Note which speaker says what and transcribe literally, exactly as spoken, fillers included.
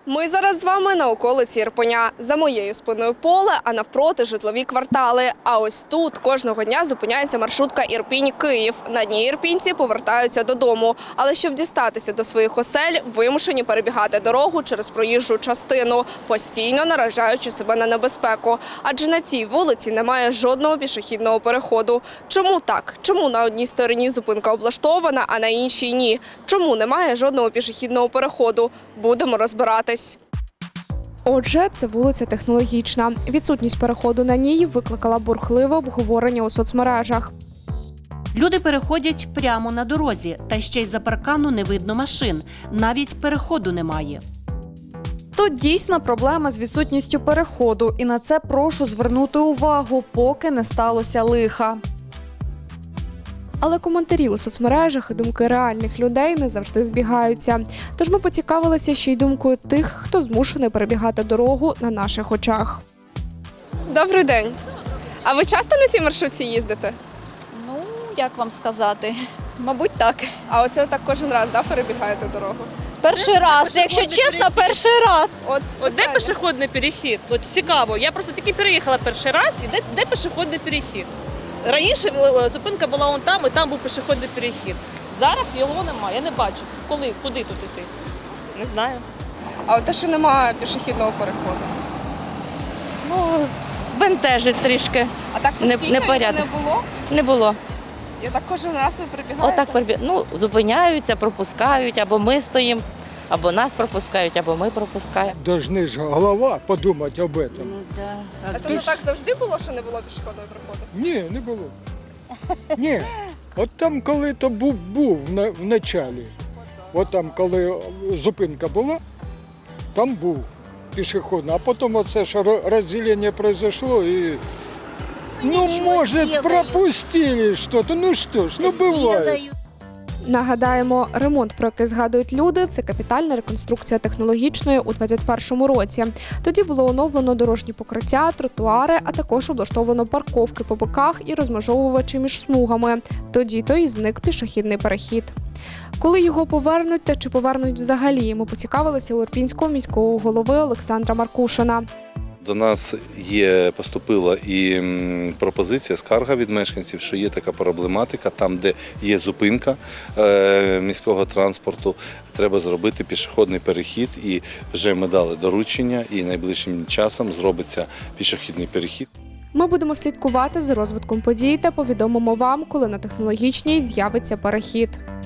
Speaker 1: Ми зараз з вами на околиці Ірпеня. За моєю спиною поле, а навпроти житлові квартали. А ось тут кожного дня зупиняється маршрутка Ірпінь-Київ. На ній ірпінці повертаються додому. Але щоб дістатися до своїх осель, вимушені перебігати дорогу через проїжджу частину, постійно наражаючи себе на небезпеку. Адже на цій вулиці немає жодного пішохідного переходу. Чому так? Чому на одній стороні зупинка облаштована, а на іншій ні? Чому немає жодного пішохідного переходу? Будемо розбиратись. Отже, це вулиця Технологічна. Відсутність переходу на ній викликала бурхливе обговорення у соцмережах.
Speaker 2: Люди переходять прямо на дорозі, та ще й за паркану не видно машин. Навіть переходу немає.
Speaker 3: Тут дійсно проблема з відсутністю переходу, і на це прошу звернути увагу, поки не сталося лиха.
Speaker 1: Але коментарі у соцмережах і думки реальних людей не завжди збігаються. Тож ми поцікавилися ще й думкою тих, хто змушений перебігати дорогу на наших очах. Добрий день. А ви часто на цій маршрутці їздите?
Speaker 4: Ну, як вам сказати? Мабуть, так.
Speaker 1: А оце так кожен раз, да, перебігаєте дорогу?
Speaker 4: Перший раз, якщо чесно, перший раз.
Speaker 1: От,
Speaker 5: От де пішохідний перехід? От цікаво. Я просто тільки переїхала перший раз, і де, де пішохідний перехід? Раніше е, зупинка була вон там, і там був пішохідний перехід. Зараз його немає, я не бачу. Коли, куди тут іти? Не знаю.
Speaker 1: А от те, що немає пішохідного переходу?
Speaker 6: Ну, бентежить трішки.
Speaker 1: А так
Speaker 6: Не-
Speaker 1: постійно його
Speaker 6: непорядок.
Speaker 1: не було?
Speaker 6: Не було.
Speaker 1: І так кожен раз ви перебігаєте?
Speaker 6: Отак перебі... Ну, зупиняються, пропускають, або ми стоїмо, або нас пропускають, або ми пропускаємо.
Speaker 7: Должны же голова подумать об этом.
Speaker 6: Ну, да.
Speaker 1: А то не так завжди було, що не було пішохідного переходу?
Speaker 7: Ні, не було. Ні. От там, коли то був, був на- в началі, от там, коли зупинка була, там був пішохідний. А потім оце ж ро- розділення произошло і, ну, може, пропустили щось. Ну що ж, ну буває.
Speaker 1: Нагадаємо, ремонт, про який згадують люди, це капітальна реконструкція Технологічної у двадцять першому році. Тоді було оновлено дорожні покриття, тротуари, а також облаштовано парковки по боках і розмежовувачі між смугами. Тоді-то і зник пішохідний перехід. Коли його повернуть та чи повернуть взагалі, ми поцікавилися у ірпінського міського голови Олександра Маркушина.
Speaker 8: До нас є, поступила і м, пропозиція, скарга від мешканців, що є така проблематика, там, де є зупинка е, міського транспорту, треба зробити пішохідний перехід, і вже ми дали доручення, і найближчим часом зробиться пішохідний перехід.
Speaker 1: Ми будемо слідкувати за розвитком подій та повідомимо вам, коли на Технологічній з'явиться перехід.